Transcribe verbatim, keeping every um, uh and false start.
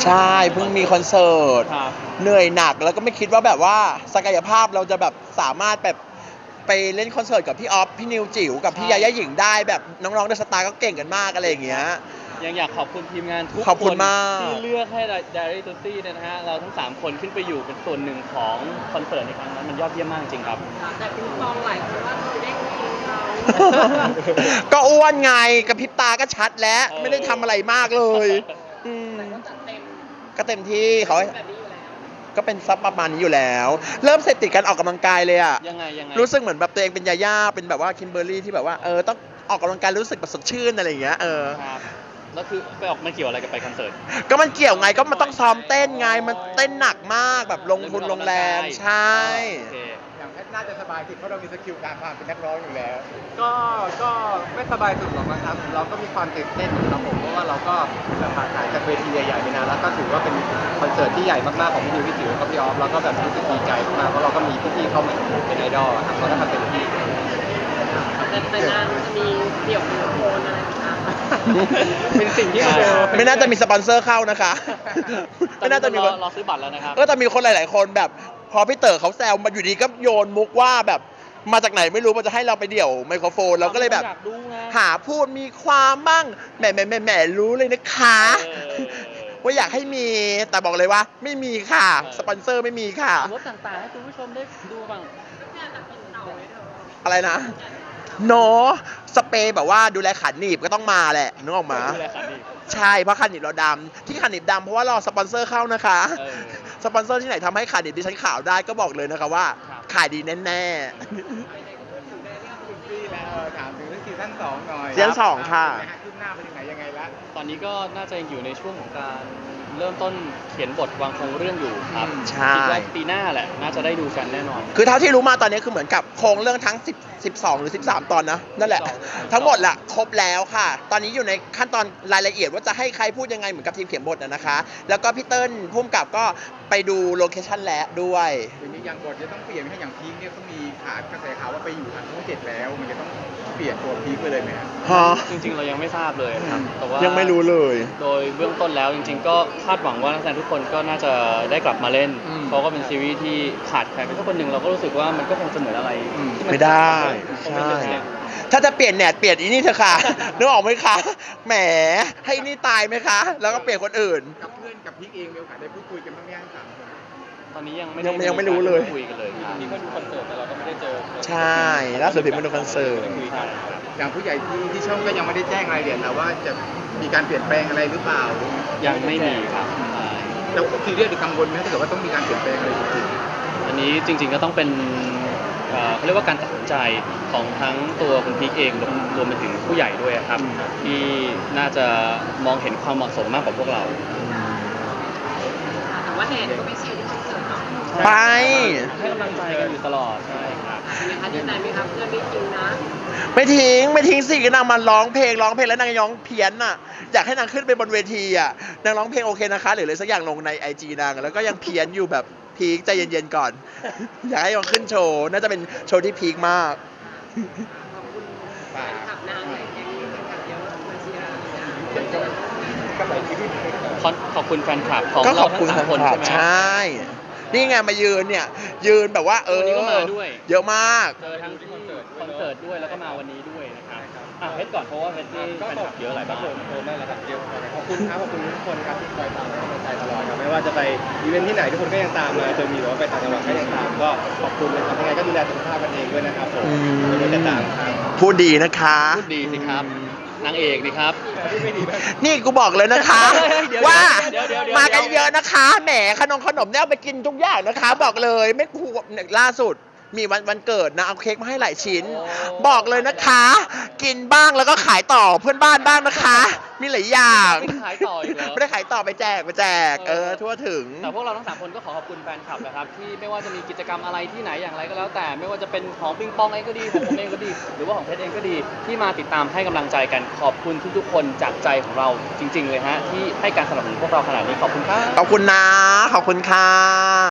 ใช่เพิ่งมีคอนเสิร์ตครับเหนื่อยหนักแล้วก็ไม่คิดว่าแบบว่าศักยภาพเราจะแบบสามารถแบบไปเล่นคอนเสิร์ตกับพี่ออฟพี่นิวจิ๋วกับพี่ยาย่าหญิงได้แบบน้องๆเดอะสตาร์ก็เก่งกันมากอะไรอย่างเงี้ยยังอยากขอบคุณทีมงานทุกขอบคุณนมากที่เลือกให้ Diary ทูตี้เนี่ยนะฮะเราทั้งสามคนขึ้นไปอยู่เป็นส่วนหนึ่งของคอนเสิร์ตในครั้งนั้นมันยอดเยี่ยมมากจริงครับแต่ปิงปองหลายคนว่าคือได้คุยเราก็อ้วนไงกระพริบตาก็ชัดแล้วเออไม่ได้ทำอะไรมากเลยอืมแต่ก็จัดเต็มก็เต็มที่เขาแบบนี้อยู่แล้วก็เป็นซับประมาณนี้อยู่แล้ว เริ่มเสพติดการออกกำลังกายเลยอะยังไงยังไงรู้สึกเหมือนแบบตัวเองเป็นยาย่าเป็นแบบว่าคิมเบอร์รี่ที่แบบว่าเออต้องออกกำลังกายรู้สึกแบบสดชื่นอะไรอย่างเงี้ยเออครับแล้วคือไปออกมาเกี่ยวอะไรกับไปคอนเสิร์ตก็มันเกี่ยวไงก็มันต้องซ้อมเต้นไงมันเต้นหนักมากแบบลงทุนลงแรงใช่โอเคอย่างแพทน่าจะสบายขึ้นเพราะเรามีสกิลการความเป็นนักร้องอยู่แล้ว ก็ก็ไม่สบายสุดหรอกนะครับ เราก็มีความตื่นเต้นอยู่ครับผมเพราะว่าเราก็แบบผ่านหายจากเวทีใหญ่ๆไปนานแล้วก็ถือว่าเป็นคอนเสิร์ตที่ใหญ่มากๆของพี่นิวพี่จิ๋วแล้วก็พี่ออฟเราก็แบบรู้สึกดีใจมากๆเพราะเราก็มีพี่ๆเข้ามาเป็นไอดอลครับเขาได้ทำเต็มที่แต่แต่นานจะมีเดี่ยวมีโคนอะไรนะคะเป็นสิ่งที่เราไม่น่าจะมีสปอนเซอร์เข้านะคะ ไม่น่าจะมีรคอน รอซื้อบัตรแล้วนะครับก็จะมีคนหลาย ๆ คนแบบ พอพี่เต๋อเขาแซวมาอยู่ดีก็โยนมุกว่าแบบมาจากไหนไม่รู้มันจะให้เราไปเดี่ยวไมโครโฟนเราก็เลยแบบอยากดูไงหาพูดมีความบ้างแหมแหมแหมแหมรู้เลยนะคะเออว่าอยากให้มีแต่บอกเลยว่า ไม่มีค่ะ สปอนเซอร์ไม่มีค่ะรถต่างๆให้คุณผู้ชมได้ดูบ้างอะไรนะโนสเปรย์แบบว่าดูแลขันหนีบก็ต้องมาแหละนึกออกมาดูแลขันดีใช่เพราะขันหนีบเราดำที่ขันหนีบดำเพราะว่ารอสปอนเซอร์เข้านะคะเออสปอนเซอร์ที่ไหนทำให้ขันหนีบดิฉันขาวได้ก็บอกเลยนะคะว่าครับขายดีแน่พี่แล้วถามถึงเรื่องซีซั่นสองหน่อยซีซั่นสองค่ะขึ้นหน้าไปถึงไหนยังไงละตอนนี้ก็น่าจะยังอยู่ในช่วงของการเริ่มต้นเขียนบทวางโครงเรื่องอยู่ครับๆใช่คิดว่าปีหน้าแหละน่าจะได้ดูกันแน่นอนคือเท่าที่รู้มาตอนนี้คือเหมือนกับโครงเรื่องทั้ง10 12 หรือ สิบสาม ตอนนะนั่นแหละสิบสองทั้งหมดละครบแล้วค่ะ ตอนนี้อยู่ในขั้นตอนรายละเอียดว่าจะให้ใครพูดยังไงเหมือนกับทีมเขียนบทนะนะคะ แล้วก็พี่เติ้ลพุ่มกับก็ไปดูโลเคชั่นแล้วด้วยทีนี้อย่างบทจะต้องเปลี่ยนให้อย่างพีคเนี่ยเขามีข่าวกระแสข่าวว่าไปอยู่ทางช่องเจ็ดแล้ว มันจะต้องเปลี่ยนตัวพีคไปเลยไหมครับฮะจริงๆ เรายังไม่ทราบเลยครับแต่ว่ายังไม่รู้เลยโดยเบื้องต้นแล้วจริง ๆ ก็คาดหวังว่านักแสดงทุกคนก็น่าจะได้กลับมาเล่นอืมเพราะก็เป็นซีรีส์ที่ขาดใครไปสักคนหนึ่งเราก็รู้สึกว่ามันก็คงจะเหมือนอะไรอืมที่นไม่ได้คงเป็นใช่เรื่องเสียงถ้าจะเปลี่ยนแหนดเปลี่ยนอีนี่เถอะค่ะ นึกออกไหมคะ แหม ให้อีนี่ตายไหมคะ แล้วก็เปลี่ยนคนอื่นกับเพื่อนกับพีคเองมีโอกาสได้พูดคุยกันบ้างไหมครับสามคนตอนนี้ยังไม่ยังได้ยังไม่รู้เลยคุยกันเลยครับนี่ก็ดูคอนเสิร์ตแต่เราก็ไม่ได้เจอใช่ล่าสุดพี่มาดูคอนเสิร์ตคุยกันครับอย่างผู้ใหญ่ที่ที่ช่องก็ยังไม่ได้แจ้งรายละเอียดนะว่าจะมีการเปลี่ยนแปลงอะไรหรือเปล่ายังไม่มีครับใช่แล้วซีเรียสหรือกังวลไหมถ้าเกิดว่าต้องมีการเปลี่ยนแปลงอะไรจริงอันนี้จริง ๆก็ต้องเป็นเอ่อเขาเรียกว่าการตัดสินใจของทั้งตัวคุณพีคเองรวมรวมไปถึงผู้ใหญ่ด้วยครับ ที่น่าจะมองเห็นความเหมาะสมมากกว่าพวกเราแต่ว่าแทนก็ไม่เชียร์ที่คอนเสิร์ตเนาะไปให้กำลังใจกันอยู่ตลอดใช่ครับเป็นไงคะดีใจไหมครับเพื่อนไม่จริงนะไม่ทิ้งไม่ทิ้งสิก็นางมาร้องเพลงร้องเพลงแล้วนางร้องเพี้ยนอ่ะอยากให้นางขึ้นไปบนเวทีอ่ะนางร้องเพลงโอเคนะคะหรืออะไรสักอย่างลงในไอจีนางแล้วก็ยังเพี้ยนอยู่แบบพีคใจเย็นๆก่อน อยากให้นางขึ้นโชว์น่าจะเป็นโชว์ที่พีคมากขอบคุณแฟนคลับนางหน่อยยังมีแฟนคลับเยอะมาเชียร์นะๆก็ไปที่พี่ขอขอบคุณแฟนคลับของก็ขเราอบทั้คุณงสามคนครัใช่บไหมใช่ นี่ไงมายืนเนี่ย ยืนแบบว่าเออวันนี้ก็มาด้วยเยอะมากเจอทั้งที่คอนเสิร์ตคอนเสิร์ตด้วยแล้วก็มาวันนี้ด้วยนะครับอ่ะเพชรก่อนเพราะว่าเพชรนี่แฟนคลับเยอะหลายบ้านโดนได้แล้วครับเยอะขอบคุณครับขอบคุณทุกคนครับที่คอยตามให้กำลังใจตลอดครับไม่ว่าจะไปอีเวนท์ที่ไหนทุกคนก็ยังตามมาจนมีหรือว่าไปต่างจังหวัดก็ยังตามก็ขอบคุณนะครับยังไงก็ดูแลสุขภาพกันเองด้วยนะครับผมอืมไม่ว่าจะตามครับพูดดีนะคะพูดดีสิครับนางเอกนี่ครับพูดไม่ดีบ้างนี่กูบอกเลยนะคะเดี๋ยวว่าเดี๋ยวเดี๋ยวเดี๋ยวมากันเยอะนะคะ แหมขนมขนมเนี่ยเอาไปกินทุกอย่างนะคะ บอกเลยไม่กูเนี่ยล่าสุด มีวันวันเกิดนะเอาเค้กมาให้หลายชิ้น บอกเลยนะคะ กินบ้างแล้วก็ขายต่อเพื่อนบ้านบ้างนะคะ มีหลายอย่างไม่ได้ขายต่ออีกเหรอไม่ได้ขายต่อไปแจกไปแจกเออทั่วถึงแต่พวกเราทั้งสามคนก็ขอขอบคุณแฟนคลับนะครับที่ไม่ว่าจะมีกิจกรรมอะไรที่ไหนอย่างไรก็แล้วแต่ไม่ว่าจะเป็นของปิงปองเองก็ดีของผมเองก็ดี หรือว่าของเพชรเองก็ดีที่มาติดตามให้กำลังใจกันขอบคุณทุกๆคนจากใจของเราจริง ๆ เลยฮะที่ให้การสนับสนุนพวกเราขนาดนี้ขอบคุณครับขอบคุณนะ ขอบคุณค่ะ